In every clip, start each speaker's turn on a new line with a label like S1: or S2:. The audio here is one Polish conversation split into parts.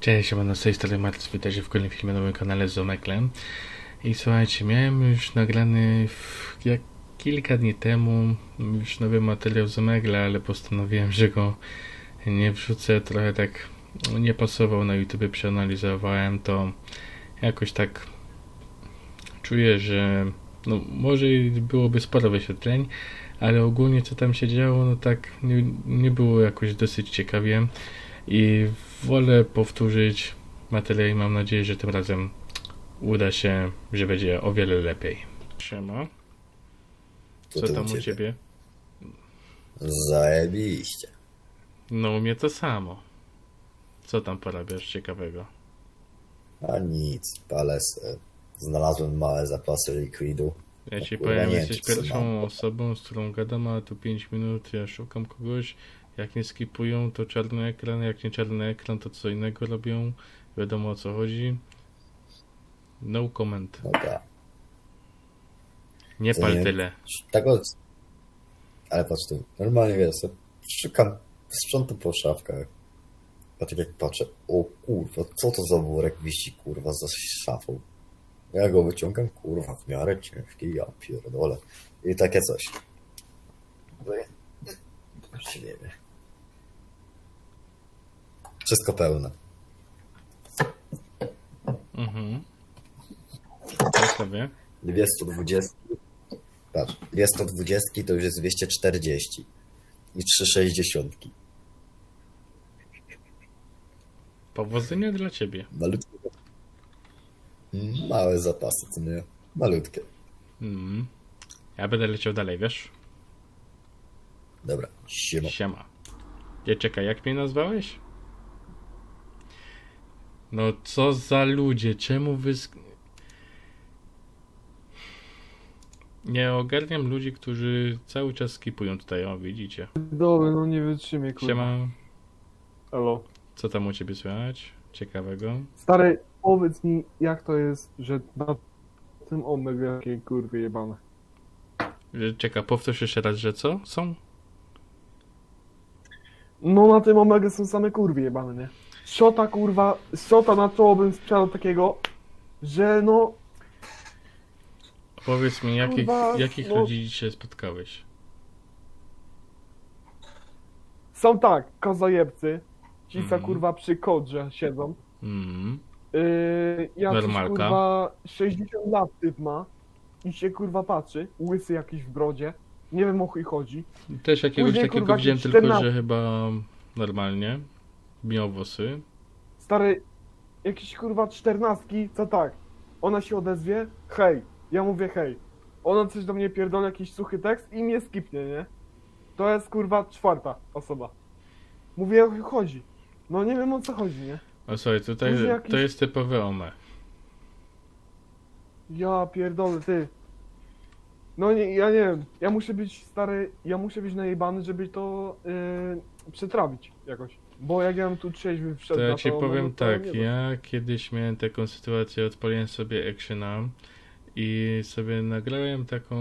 S1: Cześć, ja z tej strony Marcin, witajcie w kolejnym filmie na moim kanale z Omeklem. I słuchajcie, miałem już nagrany kilka dni temu już nowy materiał z Omegla, ale postanowiłem, że go nie wrzucę. Trochę tak nie pasował na YouTube, przeanalizowałem to. Jakoś tak czuję, że może byłoby sporo wyświetleń, ale ogólnie co tam się działo, tak nie było jakoś dosyć ciekawie. I wolę powtórzyć materiał i mam nadzieję, że tym razem uda się, że będzie o wiele lepiej. Siema. Co tam u ciebie?
S2: Zajebiście.
S1: No u mnie to samo. Co tam porabiasz ciekawego?
S2: A nic, palę se. Znalazłem małe zapasy likwidu.
S1: Ja ci
S2: kurwa,
S1: powiem,
S2: nie
S1: jesteś
S2: wiem, co
S1: pierwszą
S2: mam.
S1: osobą, z którą gadam, a tu 5 minut, ja szukam kogoś. Jak nie skipują, to czarny ekran, jak nie czarny ekran, to co innego robią. Wiadomo o co chodzi. No comment.
S2: No tak.
S1: Nie
S2: Co
S1: pal
S2: nie?
S1: tyle.
S2: Tego... Ale patrz tu, normalnie wiesz, szukam sprzątu po szafkach. A tak jak patrzę, o kurwa, co to za worek wisi kurwa za szafą? Ja go wyciągam, kurwa, w miarę ciężki, ja pierdolę. I takie coś. No ja... Właśnie nie wiem. Wszystko pełne.
S1: Ja sobie.
S2: 220. Patrz, 220 to już jest 240 i 360.
S1: Powodzenia dla ciebie.
S2: Malutkie. Małe zapasy, co nie? Malutkie.
S1: Ja będę leciał dalej, wiesz?
S2: Dobra, siema.
S1: Siema. Nie, czekaj, jak mnie nazwałeś? No co za ludzie, czemu wy... Nie ogarniam ludzi, którzy cały czas skipują tutaj, o widzicie.
S3: Dobra, no nie wytrzymie, kurwa.
S1: Siema,
S3: Elo.
S1: co tam u ciebie słychać? Ciekawego?
S3: Stary, powiedz mi, jak to jest, że na tym omega jakie kurwy jebane.
S1: Czekaj, powtórz jeszcze raz, że co? Są?
S3: No na tym omega są same kurwy jebane, nie? Szota kurwa, szota na czoło bym sprzedał takiego, że no...
S1: Powiedz mi,
S3: Kurwa,
S1: jakich
S3: no-
S1: ludzi dzisiaj spotkałeś?
S3: Są tak, kozojebcy, ci co kurwa przy kodrze siedzą. Jakiś
S1: Normalka.
S3: kurwa 60 lat typ ma i się kurwa patrzy, łysy jakiś w brodzie. Nie wiem o chuj chodzi.
S1: Też jakiegoś
S3: Później,
S1: takiego
S3: kurwa,
S1: widziałem,
S3: jakieś
S1: tylko
S3: 14.
S1: że chyba normalnie. Miał włosy.
S3: Stary, jakiś kurwa 14, co tak? Ona się odezwie, hej, ja mówię hej. Ona coś do mnie pierdoli, jakiś suchy tekst i mnie skipnie, nie? To jest kurwa 4. osoba. Mówię, o chuj chodzi. No nie wiem o co chodzi, nie?
S1: O słuchaj, tutaj
S3: Później jakiś-
S1: to jest typowe OME.
S3: Ja pierdolę, ty. No nie, ja nie wiem, ja muszę być stary, ja muszę być najebany, żeby to przetrawić jakoś. Bo jak ja bym tu trzeźwy wszedł
S1: To ja
S3: na
S1: ci
S3: to,
S1: powiem
S3: no to
S1: tak,
S3: nie wiem.
S1: ja kiedyś miałem taką sytuację, odpaliłem sobie Actiona i sobie nagrałem taką,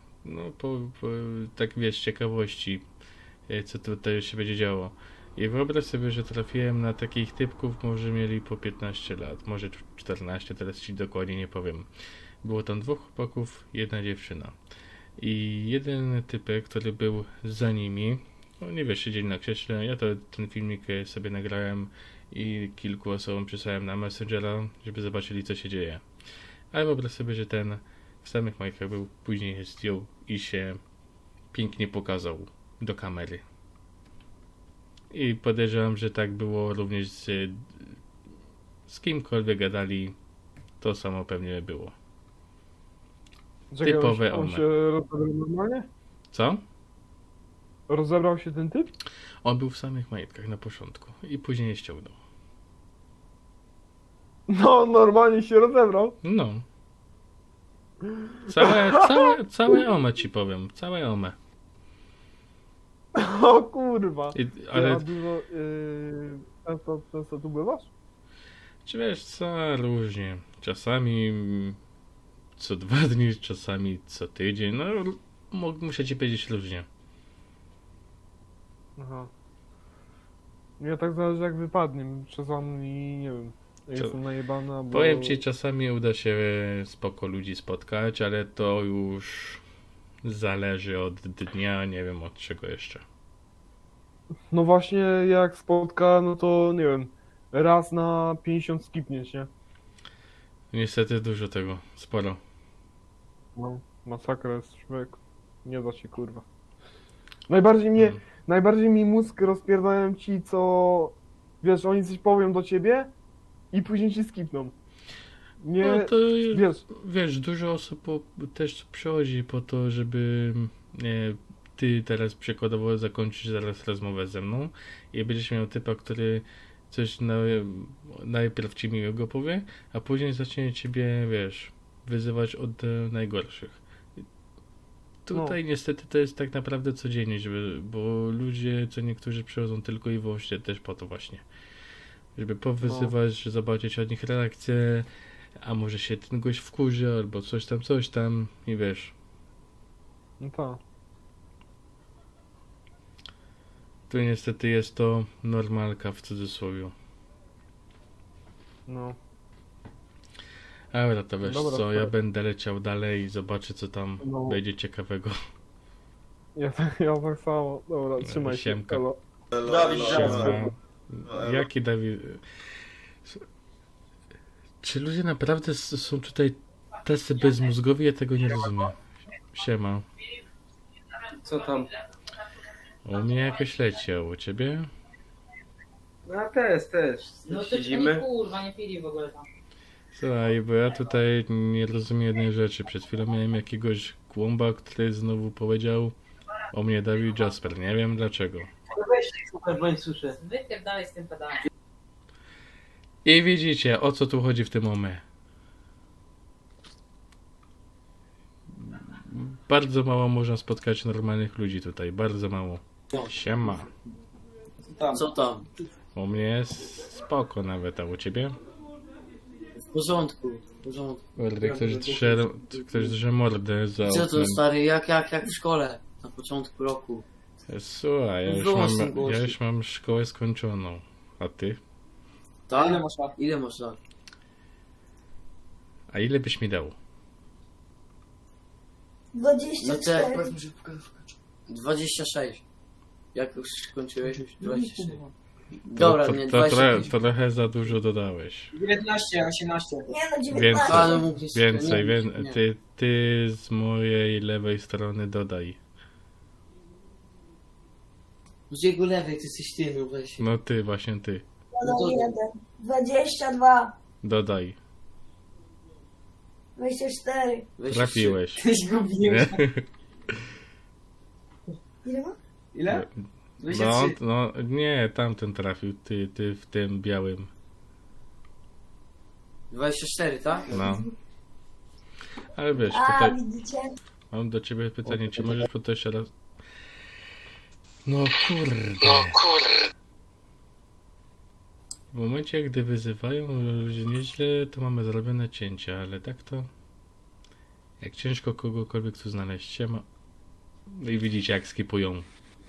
S1: tak wiesz, z ciekawości, co tutaj się będzie działo. I wyobraź sobie, że trafiłem na takich typków, może mieli po 15 lat, może 14, teraz ci dokładnie nie powiem. Było tam 2 chłopaków, 1 dziewczyna. I jeden typek, który był za nimi, no nie wiesz, siedzieli na krześle, ja ten filmik sobie nagrałem i kilku osobom przysłałem na Messengera, żeby zobaczyli co się dzieje. Ale wyobraź sobie, że ten w samych majkach był, później je zdjął i się pięknie pokazał do kamery. I podejrzewam, że tak było również z kimkolwiek gadali, to samo pewnie było.
S3: Czekaj,
S1: typowe
S3: on
S1: one.
S3: się rozebrał normalnie?
S1: Co?
S3: Rozebrał się ten typ?
S1: On był w samych majtkach na początku i później je ściągnął.
S3: No, normalnie się rozebrał.
S1: No. Całe OME ci powiem, całe OME.
S3: O kurwa.
S1: Ale
S3: A dużo, często tu bywasz?
S1: czy wiesz co, różnie. Czasami co 2 dni, czasami co tydzień, no muszę ci powiedzieć różnie.
S3: Aha. Ja tak zależy jak wypadnie, czasami nie wiem.
S1: Co?
S3: Jestem najebana, bo...
S1: Powiem ci, czasami uda się spoko ludzi spotkać, ale to już zależy od dnia, nie wiem od czego jeszcze.
S3: No właśnie jak spotka, no to nie wiem, raz na 50 skipniesz, nie?
S1: Niestety dużo tego, sporo.
S3: No, masakra jest człowiek. Nie da się kurwa. Najbardziej mi mózg rozpierdają ci, co... Wiesz, oni coś powią do ciebie i później ci skipną. Nie,
S1: No to
S3: wiesz,
S1: wiesz, dużo osób też przychodzi po to, żeby ty teraz przykładowo zakończysz zaraz rozmowę ze mną i będziesz miał typa, który coś najpierw ci miłego powie, a później zacznie ciebie, wiesz, wyzywać od najgorszych. Tutaj niestety to jest tak naprawdę codziennie, bo ludzie, co niektórzy przychodzą tylko i wyłącznie też po to właśnie. Żeby powyzywać, zobaczyć od nich reakcję, a może się ten gość wkurzy, albo coś tam i wiesz.
S3: no tak.
S1: Tu niestety jest to normalka w cudzysłowie.
S3: No.
S1: Dobra, to wiesz
S3: Dobra,
S1: co, ja
S3: tak.
S1: będę leciał dalej i zobaczę co tam
S3: No.
S1: będzie ciekawego.
S3: Ja tak samo. Dobra, trzymaj się.
S1: Siemka.
S3: Elo.
S4: Dawid,
S1: Siema.
S4: No,
S1: Jaki Dawid? Czy ludzie naprawdę są tutaj tacy bezmózgowi? Ja tego nie rozumiem. Siema.
S4: co tam?
S1: U mnie jakoś leci, a u ciebie?
S4: No też.
S5: No to
S4: Siedzimy.
S5: kurwa, nie pili w ogóle tam.
S1: Słuchaj, bo ja tutaj nie rozumiem jednej rzeczy. Przed chwilą miałem jakiegoś kłąba, który znowu powiedział o mnie Dawid Jasper. Nie wiem dlaczego.
S4: No weź się słuchaj, bo nie słyszę.
S5: Wypierdalaj z tym pedałem.
S1: I widzicie, o co tu chodzi w tym momencie. Bardzo mało można spotkać normalnych ludzi tutaj. Bardzo mało. Siema.
S6: Co tam?
S1: U mnie jest spoko nawet, a u ciebie?
S6: W porządku.
S1: Kurde, ktoś drze mordę za
S6: Co to
S1: oknem.
S6: stary, jak w szkole? Na początku roku.
S1: Słuchaj, ja już mam szkołę skończoną. A ty?
S6: Tak? Ile masz lat?
S1: A ile byś mi dał?
S7: 24.
S6: No te 26. Jak już skończyłeś? 26. Dobra, nie, 25.
S1: Trochę za dużo dodałeś.
S4: 19, 18.
S7: Nie no, 19.
S1: Więcej.
S6: Ale mógł jeszcze...
S1: Więcej,
S6: nie.
S1: ty z mojej lewej strony dodaj.
S6: Z jego lewej, ty jesteś ty, no weź.
S1: No ty, właśnie ty.
S7: Dodam 1. 22.
S1: Dodaj.
S7: 24.
S6: Weź
S1: Trafiłeś.
S4: Ty zgubiłeś.
S1: Nie?
S7: Ile ma?
S4: Ile?
S1: No,
S4: 23.
S1: no, nie, tamten trafił, ty w tym białym.
S6: 24, tak?
S1: No. Ale wiesz,
S7: A,
S1: tutaj
S7: widzicie?
S1: mam do ciebie pytanie, czy możesz po to jeszcze raz... No kurde. W momencie, gdy wyzywają ludzie nieźle, to mamy zrobione cięcia, ale tak to... Jak ciężko kogokolwiek tu znaleźć. Siema. No i widzicie, jak skipują.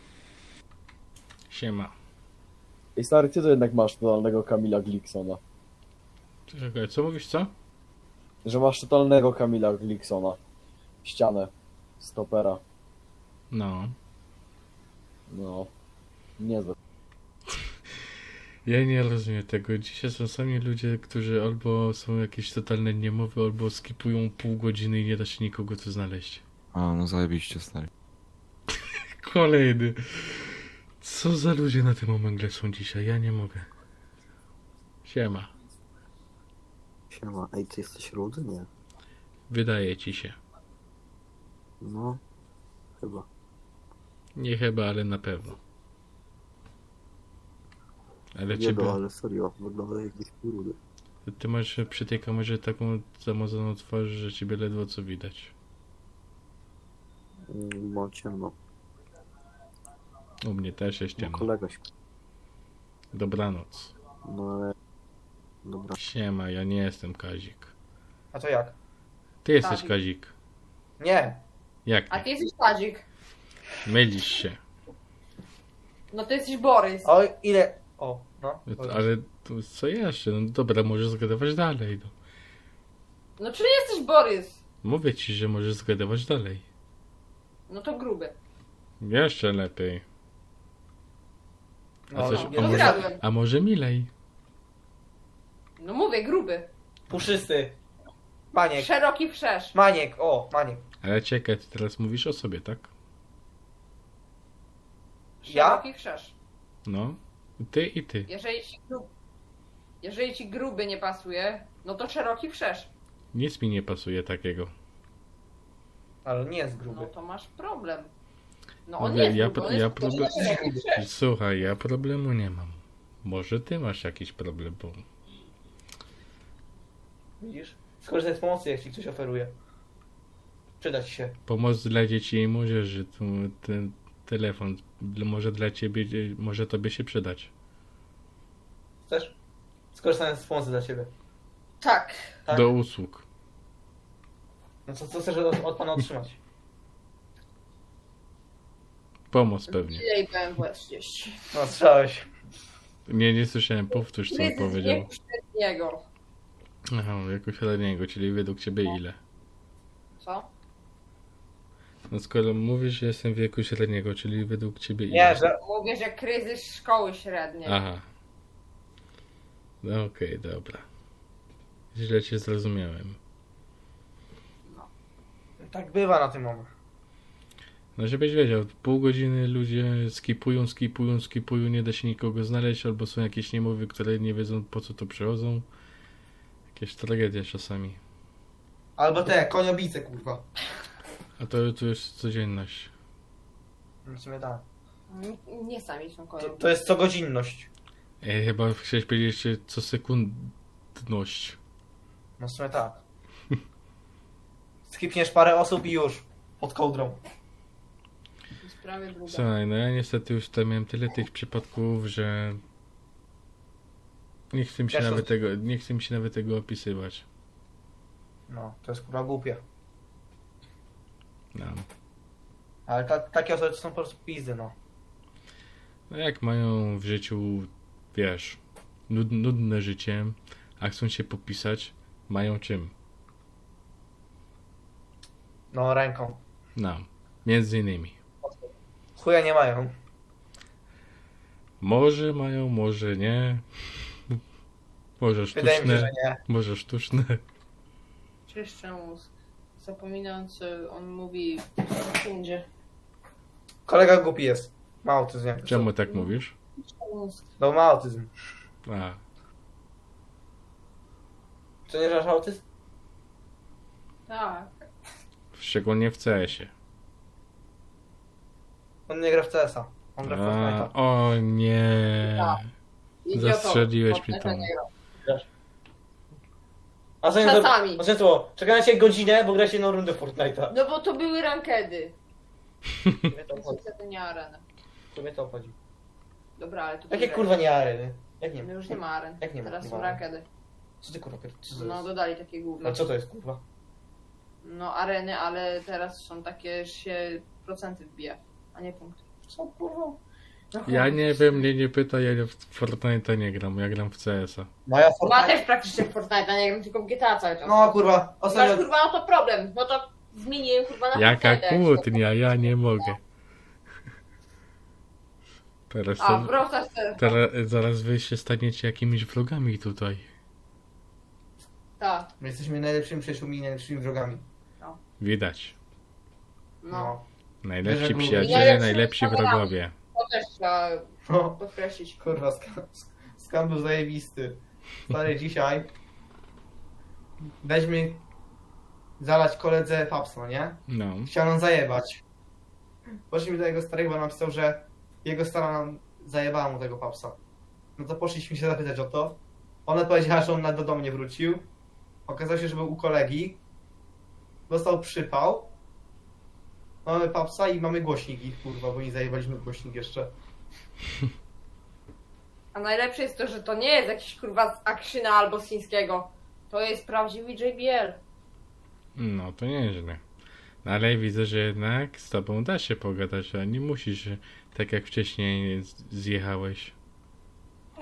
S1: Siema.
S8: Ej stary, ty to jednak masz totalnego Kamila Glicksona.
S1: Czekaj, co mówisz, co?
S8: Że masz totalnego Kamila Glicksona. Ścianę. Stopera.
S1: No.
S8: No. Niezłe.
S1: Ja nie rozumiem tego. Dzisiaj są sami ludzie, którzy albo są jakieś totalne niemowy, albo skipują pół godziny i nie da się nikogo tu znaleźć.
S9: A, no zajebiście, stary.
S1: Kolejny. Co za ludzie na tym omegle są dzisiaj? Ja nie mogę. Siema.
S2: Siema, ej, ty jesteś rudy? Nie.
S1: Wydaje ci się.
S2: No, chyba.
S1: Nie chyba, ale na pewno. Ale
S2: Nie
S1: ciebie...
S2: no, ale serio, wygląda jakiś rudy.
S1: Ty masz przy tej kamerze taką zamazaną twarz, że ciebie ledwo co widać.
S2: Ma ciemno.
S1: U mnie też jest
S2: No,
S1: ciemno.
S2: kolega śpi.
S1: Dobranoc.
S2: No ale... Dobra.
S1: Siema, ja nie jestem Kazik.
S4: A to jak?
S1: Ty jesteś
S5: Kazik.
S1: Kazik.
S4: Nie.
S1: Jak
S5: A
S1: nie?
S5: ty jesteś Tadzik.
S1: Mylisz się.
S5: No ty jesteś Borys.
S4: O ile? O, no.
S1: Ale to co jeszcze? No dobra, możesz zgadywać dalej. No.
S5: No czyli jesteś Borys?
S1: Mówię ci, że możesz zgadywać dalej.
S5: No to gruby.
S1: Jeszcze lepiej. A,
S4: No,
S1: coś,
S4: no,
S1: a,
S5: no
S1: może,
S5: zgadłem.
S1: a może milej?
S5: No mówię, gruby.
S4: Puszysty. Maniek.
S5: Szeroki wszerz.
S4: Maniek, o, Maniek.
S1: Ale czekaj, ty teraz mówisz o sobie, tak?
S4: Ja?
S5: Szeroki wszerz.
S1: No. Ty i ty.
S5: Jeżeli ci gruby nie pasuje, no to szeroki wszerz.
S1: Nic mi nie pasuje takiego.
S4: Ale nie jest
S5: No
S4: gruby.
S5: to masz problem. No on
S1: Mówię,
S5: jest
S1: ja,
S5: gruby, on
S1: ja
S5: jest
S1: problem...
S5: szeroki wszerz.
S1: Słuchaj, ja problemu nie mam. Może ty masz jakiś problem, bo...
S4: Widzisz? Skorzystaj z pomocy, jak ci ktoś oferuje. Przyda ci się.
S1: Pomoc dla dzieci i młodzieży. Ten telefon może dla ciebie, może tobie się przydać.
S4: Chcesz? Skorzystaj z pomocy dla ciebie.
S5: Tak.
S4: Tak?
S1: Do usług.
S4: No co chcesz od pana otrzymać?
S1: Pomoc pewnie.
S5: Jej BMW 30.
S4: No, słyszałeś.
S1: Nie słyszałem, powtórz co on
S5: Kryzys
S1: powiedział.
S5: wieku średniego.
S1: Aha, jako średniego, czyli według ciebie ile?
S5: Co?
S1: No skoro mówisz, że jestem w wieku średniego, czyli według ciebie ile?
S4: Nie, że...
S5: Mówię, że kryzys szkoły średniej.
S1: Aha. No okej, dobra. Źle cię zrozumiałem.
S4: Tak bywa na tym moment.
S1: No żebyś wiedział, pół godziny ludzie skipują, nie da się nikogo znaleźć, albo są jakieś niemowy, które nie wiedzą po co to przychodzą. Jakieś tragedie czasami.
S4: Albo te, koniobice, kurwa.
S1: A to jest codzienność.
S4: No w sumie tak.
S5: Nie sami są
S4: To,
S5: kolejni.
S4: to jest cogodzinność.
S1: Chyba chciałeś powiedzieć jeszcze co sekundność.
S4: No w sumie tak. Skipniesz parę osób i już. Pod kołdrą.
S5: To jest prawie druga.
S1: Słuchaj, no ja niestety już tam miałem tyle tych przypadków, że nie chcę mi się nawet tego opisywać.
S4: No, to jest kurwa głupie.
S1: No.
S4: Ale takie osoby to są po prostu pizdy, no.
S1: No jak mają w życiu, wiesz, nudne życie, a chcą się popisać, mają czym?
S4: No, ręką.
S1: No, między innymi.
S4: Chuja nie mają.
S1: Może mają, może nie. Może
S4: Wydaje mi się,
S1: sztuczne,
S4: że nie.
S1: może sztuczne.
S5: Czyszczę mózg. Zapominam, co on mówi w sekundzie.
S4: Kolega głupi jest. Ma autyzm. jak to
S1: Czemu
S4: są.
S1: tak mówisz?
S5: Mózg.
S4: No, ma autyzm.
S1: A,
S4: To nie masz autyzm?
S5: Tak.
S1: szczególnie w CS-ie.
S4: On nie gra w CS-a. On gra w Fortnite'a.
S1: O nie.
S5: Idioto.
S1: Zastrzeliłeś mnie tam.
S5: Nie gra.
S4: A co
S5: Czasami.
S4: A co? Czekaj na ciebie godzinę, bo gra się jedną rundę w Fortnite'a.
S5: No bo to były rankedy.
S4: Mnie to obchodzi.
S5: Niestety nie arena.
S4: To mnie to obchodzi.
S5: Dobra, ale to
S4: Jakie
S5: były
S4: kurwa nie areny? Jak nie
S5: No
S4: ma?
S5: już nie ma aren.
S4: Jak nie ma?
S5: Teraz
S4: Nie
S5: są
S4: ma.
S5: rankedy.
S4: Co ty kurwa co to
S5: No
S4: jest?
S5: dodali takie główne.
S4: No co to jest kurwa?
S5: No areny, ale teraz są takie, że się procenty wbija, a nie punkty.
S4: Co kurwa?
S1: Ja nie wiem, mnie nie pytaj, ja w Fortnite'a nie gram, ja gram w CS-a.
S4: Moja
S5: Ma
S4: Fortnite...
S5: też praktycznie w Fortnite, nie wiem, tylko w GTA cały czas.
S4: No kurwa,
S5: Masz
S4: ostatnio...
S5: kurwa no to problem, no to zmieniłem kurwa na
S1: Jaka
S5: Fortnite.
S1: kłótnia, ja nie mogę. Teraz,
S5: A, wracasz teraz.
S1: zaraz wy się staniecie jakimiś vlogami tutaj.
S5: Tak,
S4: My jesteśmy najlepszymi przyjaciółmi i najlepszymi wrogami.
S1: Widać.
S5: no.
S1: Najlepsi
S4: Bierze
S1: przyjaciele,
S5: Najlepsi
S1: najlepsi
S5: wrogami.
S1: wrogowie.
S5: To też trzeba
S4: No.
S5: podkreślić.
S4: Kurwa, skam był zajebisty. Stary, dzisiaj weźmy zalać koledze papsno, nie?
S1: No.
S4: Chciał nam zajebać. Poszliśmy do jego starego, bo napisał, że jego stara nam zajebała mu tego papsa. No to poszliśmy się zapytać o to. Ona powiedziała, że on do domu nie wrócił. Okazało się, że był u kolegi. Dostał przypał. Mamy papsa i mamy głośnik ich, kurwa, bo nie zajebaliśmy głośnik jeszcze.
S5: A najlepsze jest to, że to nie jest jakiś kurwa z Akrzyna albo z chińskiego. To jest prawdziwy JBL.
S1: No to nieźle. No, ale widzę, że jednak z tobą da się pogadać, a nie musisz, tak jak wcześniej zjechałeś.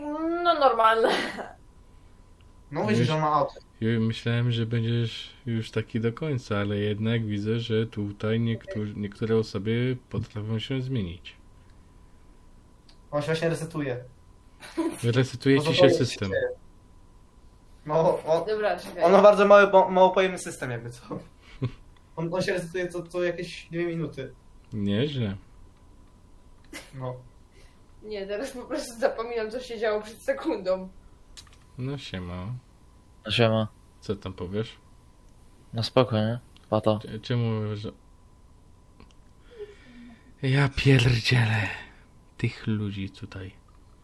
S5: normalne.
S4: No wiesz, że on ma auto.
S1: Myślałem, że będziesz już taki do końca, ale jednak widzę, że tutaj niektóre osoby potrafią się zmienić.
S4: On się właśnie resetuje.
S1: Resetuje
S4: No to
S1: ci się
S4: to jest-
S1: system.
S4: No,
S5: Dobra, czekaj.
S4: on ma bardzo mało pojemny system jakby co. On się resetuje co jakieś 2 minuty.
S1: Nieźle.
S4: No.
S5: Nie, teraz po prostu zapominam, co się działo przed sekundą.
S1: No siema.
S10: Siema.
S1: Co tam powiesz?
S10: No spoko, nie? Pato.
S1: Czemu, że... Ja pierdzielę tych ludzi tutaj.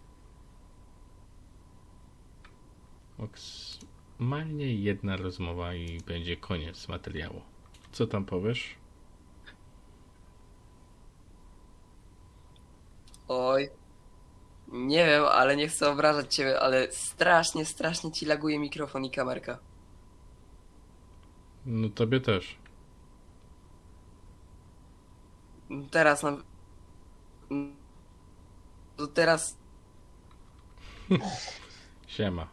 S1: Maksymalnie jedna rozmowa i będzie koniec materiału. Co tam powiesz?
S11: Oj. Nie wiem, ale nie chcę obrażać ciebie, ale strasznie ci laguje mikrofon i kamerka.
S1: No tobie też.
S11: Teraz na... To teraz...
S1: Siema.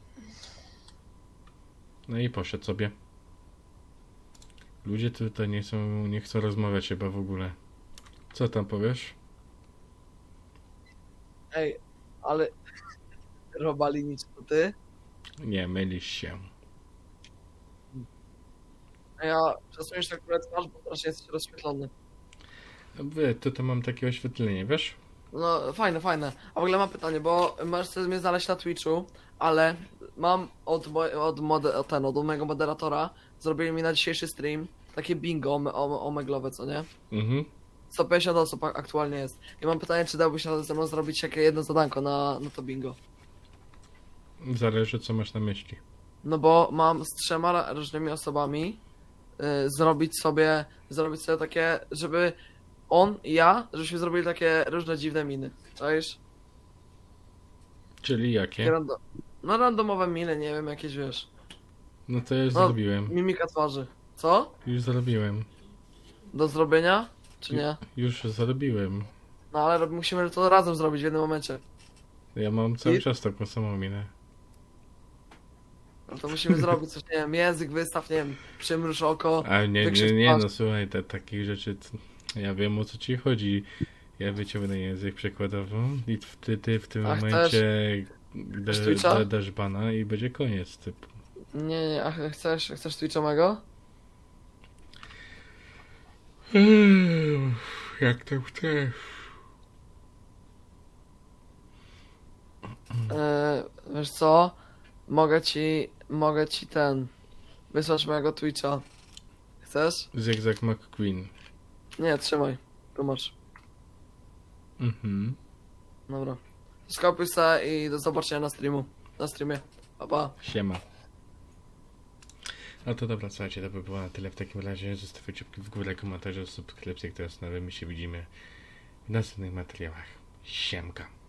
S1: No i poszedł sobie. Ludzie tutaj nie chcą rozmawiać chyba w ogóle. Co tam powiesz?
S12: Ej, ale Robalinic to ty?
S1: Nie, mylisz się.
S12: A ja przesuniesz akurat twarz, bo strasznie jesteś rozświetlony.
S1: Tutaj mam takie oświetlenie, wiesz?
S12: No fajne. A w ogóle mam pytanie, bo możesz sobie mnie znaleźć na Twitchu, ale mam od mojego moderatora, zrobili mi na dzisiejszy stream takie bingo omeglowe, co nie?
S1: Mhm.
S12: 150 osób aktualnie jest. I mam pytanie, czy dałbyś się ze mną zrobić jakieś jedno zadanko na to bingo?
S1: Zależy co masz na myśli.
S12: No bo mam z 3 różnymi osobami zrobić sobie takie, żeby on i ja, żebyśmy zrobili takie różne dziwne miny. Czaisz?
S1: Czyli jakie?
S12: Takie no randomowe miny, nie wiem, jakieś wiesz.
S1: No to już
S12: No,
S1: zrobiłem.
S12: Mimika twarzy. Co?
S1: Już zrobiłem.
S12: Do zrobienia? Czy nie?
S1: Już zrobiłem.
S12: No ale musimy to razem zrobić w jednym momencie.
S1: Ja mam cały
S12: I?
S1: czas taką samą minę.
S12: No to musimy zrobić coś, nie wiem, język wystaw, nie wiem, przymruż oko.
S1: A nie,
S12: wykrzyw
S1: nie,
S12: twarz.
S1: no słuchaj, takich rzeczy, ja wiem o co ci chodzi. Ja wyciągnę język przykładowo i ty w tym
S12: A
S1: momencie
S12: Chcesz Twitcha?
S1: dasz bana i będzie koniec typu.
S12: Nie, a chcesz Twitcha mego?
S1: Jak tam chcesz.
S12: Wiesz co? Mogę ci wysłać mojego Twitcha. Chcesz?
S1: Zygzak McQueen.
S12: Nie, trzymaj. Tu masz.
S1: Mhm.
S12: Dobra. Skopiuj se i do zobaczenia na streamie. Pa, pa.
S1: Siema. No to dobra, słuchajcie, to by było na tyle w takim razie. Zostawcie łapki w górę, komentarze, subskrypcje, które z nowymi się widzimy w następnych materiałach. Siemka.